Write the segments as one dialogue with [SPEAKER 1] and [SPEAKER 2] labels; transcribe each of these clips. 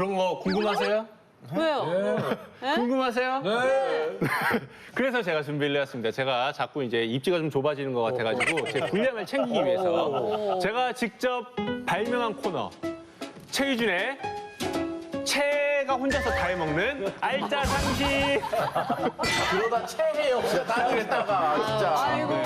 [SPEAKER 1] 그런 거 궁금하세요?
[SPEAKER 2] 왜요?
[SPEAKER 1] 궁금하세요?
[SPEAKER 3] 네.
[SPEAKER 1] 그래서 제가 준비를 해왔습니다. 제가 자꾸 이제 입지가 좀 좁아지는 것 같아가지고 제 분량을 챙기기 위해서 제가 직접 발명한 코너 최유준의 채가 혼자서 다 해먹는 알짜 상식.
[SPEAKER 3] 그러다 체해요. 진짜 따르겠다가 진짜.
[SPEAKER 2] 아이고.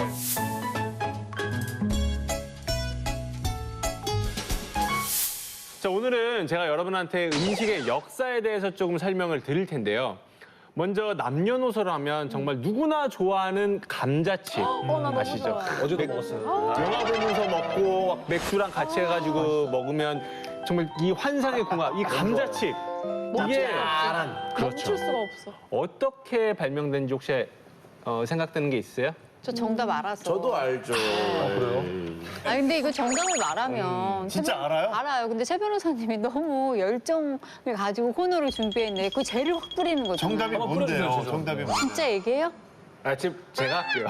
[SPEAKER 1] 자, 오늘은 제가 여러분한테 음식의 역사에 대해서 조금 설명을 드릴 텐데요. 먼저 남녀노소로 하면 정말 누구나 좋아하는 감자칩 아시죠?
[SPEAKER 3] 어제도 먹었어요.
[SPEAKER 1] 영화 보면서 먹고 막 맥주랑 같이 해가지고 먹으면 정말 이 환상의 궁합, 이 감자칩. 이게 그렇죠.
[SPEAKER 2] 멈출 수가 없어.
[SPEAKER 1] 어떻게 발명된지 혹시 생각되는 게 있어요?
[SPEAKER 4] 저 정답 알았어.
[SPEAKER 3] 저도 알죠. 그래요?
[SPEAKER 4] 아 근데 이거 정답을 말하면
[SPEAKER 5] 진짜 알아요?
[SPEAKER 4] 알아요. 근데 최 변호사님이 너무 열정을 가지고 코너를 준비했네. 그 죄를 확 뿌리는 거죠.
[SPEAKER 5] 정답이 뭔데요? 정답이 뭔데?
[SPEAKER 4] 진짜 얘기해요?
[SPEAKER 1] 아, 지금 제가 할게요.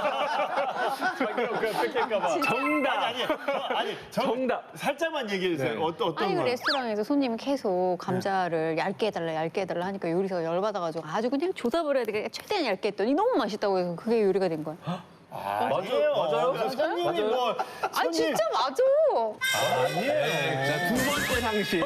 [SPEAKER 1] 정답!
[SPEAKER 5] 아니,
[SPEAKER 1] 정답!
[SPEAKER 5] 살짝만 얘기해 주세요.
[SPEAKER 1] 네.
[SPEAKER 5] 어떤
[SPEAKER 4] 아니 그
[SPEAKER 5] 거?
[SPEAKER 4] 레스토랑에서 손님이 계속 감자를 얇게 해달라 하니까 요리사가 열받아가지고 아주 그냥 조사를 해야 되게 최대한 얇게 했더니 너무 맛있다고 해서 그게 요리가 된 거야.
[SPEAKER 5] 아니에요.
[SPEAKER 3] 맞아요?
[SPEAKER 5] 손님이 뭐
[SPEAKER 4] 아니 진짜 맞아.
[SPEAKER 1] 자, 두 번째 상식.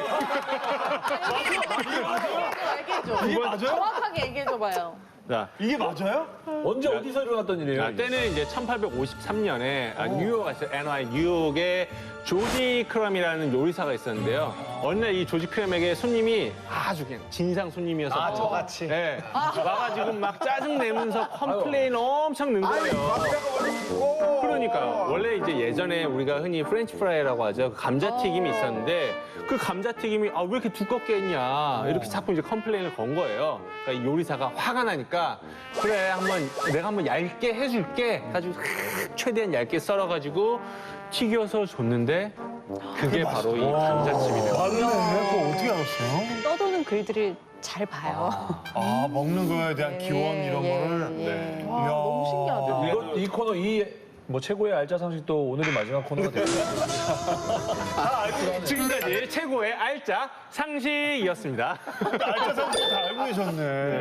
[SPEAKER 5] 이게 맞아요?
[SPEAKER 2] 정확하게 얘기해줘봐요.
[SPEAKER 1] 자,
[SPEAKER 5] 이게 맞아요?
[SPEAKER 3] 언제 어디서 일어났던 일이에요?
[SPEAKER 1] 때는 이제 1853년에 뉴욕에 NY 뉴욕에 조지 크럼이라는 요리사가 있었는데요. 어느 날 이 조지 크럼에게 손님이 아주 그냥 진상 손님이어서
[SPEAKER 5] 아, 저같이?
[SPEAKER 1] 네, 와가지고 막 짜증 내면서 컴플레인 엄청 넣은 거예요. 그러니까요. 원래 이제 예전에 우리가 흔히 프렌치 프라이라고 하죠. 그 감자튀김이 있었는데 그 감자튀김이 아, 왜 이렇게 두껍게 했냐 이렇게 자꾸 이제 컴플레인을 건 거예요. 그러니까 이 요리사가 화가 나니까 그래 내가 한번 얇게 해줄게 가지고 최대한 얇게 썰어가지고 튀겨서 줬는데 그게 바로 이 감자칩이네요.
[SPEAKER 5] 맞네. 그거 어떻게 알았어요?
[SPEAKER 4] 떠도는 글들을 잘 봐요.
[SPEAKER 5] 아, 먹는 거에 대한 기원 이런 거를.
[SPEAKER 4] 예.
[SPEAKER 2] 와, 너무 신기하다.
[SPEAKER 3] 이 코너 뭐 최고의 알짜 상식도 오늘이 마지막 코너가 됐어요.
[SPEAKER 1] 지금까지 최고의 알짜 상식이었습니다.
[SPEAKER 5] 알짜 상식 다 알고 계셨네.